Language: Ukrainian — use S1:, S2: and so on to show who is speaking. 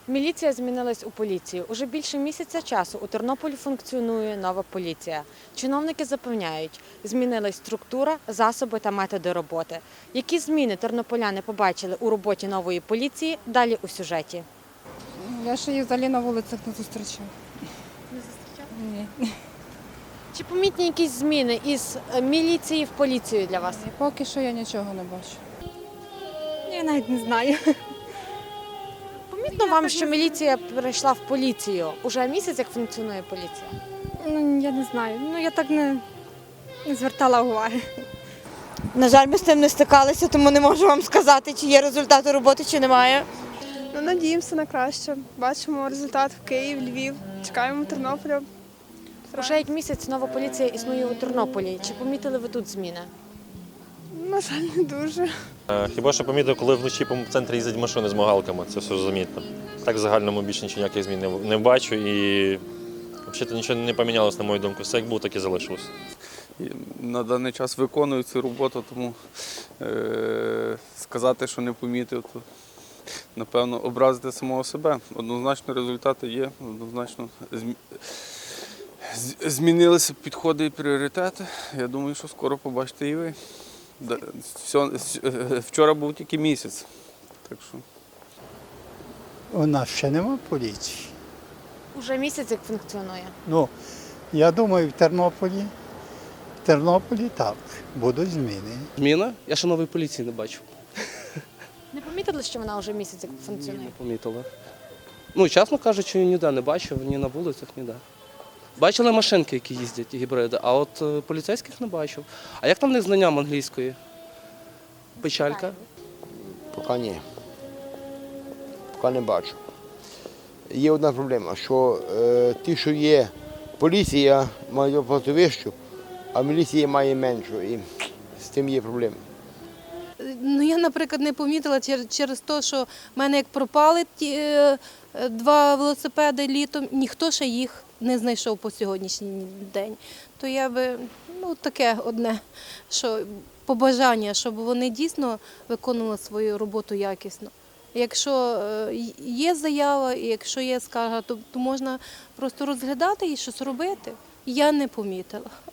S1: Міліція змінилась у поліцію. Уже більше місяця часу у Тернополі функціонує нова поліція. Чиновники запевняють, змінилась структура, засоби та методи роботи. Які зміни тернополяни побачили у роботі нової поліції, далі у сюжеті.
S2: Я ще їх взагалі на вулицях не зустрічав.
S1: Не зустрічали?
S2: Ні.
S1: Чи помітні якісь зміни із міліції в поліцію для вас?
S2: Поки що я нічого не бачу.
S3: Я навіть не знаю.
S1: Помітно вам, що міліція перейшла в поліцію? Уже місяць, як функціонує поліція?
S3: Ну, я не знаю. Ну, я так не звертала уваги.
S4: На жаль, ми з тим не стикалися, тому не можу вам сказати, чи є результати роботи, чи немає.
S5: Ну, надіємося на краще. Бачимо результат в Київ, Львів. Чекаємо Тернополя.
S1: Уже як місяць нова поліція існує у Тернополі. Чи помітили ви тут зміни?
S5: На жаль, не дуже.
S6: Хіба що помітив, коли вночі по центрі їздять машини з мигалками, це все замітно. Так в загальному більше ніяких змін не бачу і взагалі нічого не помінялося, на мою думку. Все як було, так і залишилося.
S7: На даний час виконую цю роботу, тому сказати, що не помітив, то напевно образити самого себе. Однозначно результати є, однозначно змінилися підходи і пріоритети. Я думаю, що скоро побачите і ви. Вчора був тільки місяць. Так що.
S8: У нас ще нема поліції.
S1: Уже місяць, як функціонує.
S8: Ну, я думаю, в Тернополі так, будуть зміни.
S9: Зміна? Я ще нової поліції не бачу.
S1: Не помітили, що вона вже місяць, як
S9: Не
S1: функціонує?
S9: помітила. Ну, чесно кажучи, ніде не бачив, ні на вулицях, ніде. Бачили машинки, які їздять, гібриди, а от поліцейських не бачив. А як там в них знанням англійської? Печалька?
S10: Поки ні. Поки не бачу. Є одна проблема, що ті, що є, поліція має оплату вищу, а міліція має меншу. І з тим є проблема.
S11: Ну, я, наприклад, не помітила через те, що в мене як пропали ті два велосипеди літом, ніхто ще їх не знайшов по сьогоднішній день. То я би, таке одне, що побажання, щоб вони дійсно виконували свою роботу якісно. Якщо є заява, і якщо є скарга, то можна просто розглядати і щось робити. Я не помітила.